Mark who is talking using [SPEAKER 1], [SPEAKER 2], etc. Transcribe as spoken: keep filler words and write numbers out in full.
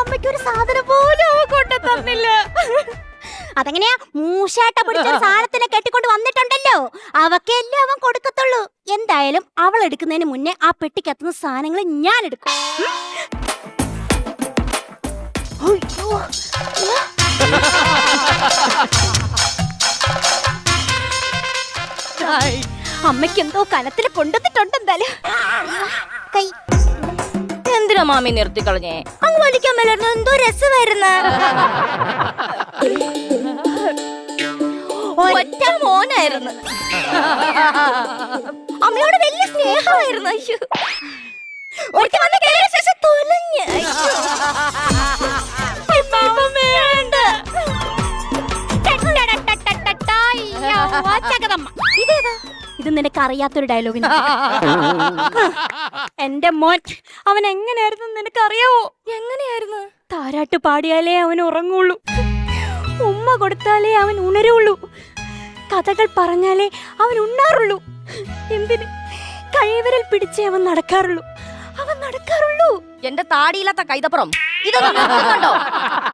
[SPEAKER 1] അമ്മയ്ക്ക് ഒരു സാധനം പോലും അവൻ കൊണ്ടു തന്നില്ല. അതെങ്ങനെയാ? മൂശാട്ട പിടിച്ച സാധനത്തിനെ കെട്ടിക്കൊണ്ട് വന്നിട്ടുണ്ടല്ലോ, അവക്കെല്ലാം അവൻ കൊടുക്കത്തുള്ളൂ. എന്തായാലും അവൾ എടുക്കുന്നതിന് മുന്നേ ആ പെട്ടിക്കത്തുന്ന സാധനങ്ങൾ ഞാൻ എടുക്കും. അമ്മയ്ക്ക് എന്തോ കനത്തില് കൊണ്ടുവന്നിട്ടുണ്ട്. എന്തായാലും കൈ
[SPEAKER 2] എന്തിനാ മാമി നിർത്തി കളഞ്ഞേ?
[SPEAKER 1] അങ്ങ് വലിക്കാൻ മേലായിരുന്നു, എന്തോ രസമായിരുന്നു. ഒറ്റ മോനായിരുന്നു, അമ്മയോട് വലിയ സ്നേഹമായിരുന്നു. അയ്യോ, ഒരിക്കൽ വന്ന് കേറിയ ശേഷം തൊലഞ്ഞ്. വേണ്ട. ഇതേതാ? ഇത് നിനക്ക് അറിയാത്തൊരു ഡയലോഗിന്. എന്റെ മോൻ അവൻ എങ്ങനെയായിരുന്നു നിനക്ക് അറിയാവോ?
[SPEAKER 2] എങ്ങനെയായിരുന്നു?
[SPEAKER 1] താരാട്ട് പാടിയാലേ അവൻ ഉറങ്ങുള്ളൂ, ഉമ്മ കൊടുത്താലേ അവൻ ഉണരുള്ളൂ, കഥകൾ പറഞ്ഞാലേ അവൻ ഉണ്ണാറുള്ളൂ. എന്തിന്? കൈവിരൽ പിടിച്ചേ അവൻ നടക്കാറുള്ളൂ, അവൻ നടക്കാറുള്ളൂ.
[SPEAKER 2] എന്റെ താടിയില്ലാത്ത കൈതപ്പുറം ഇതൊന്നും നിർത്തുന്നുണ്ടോ?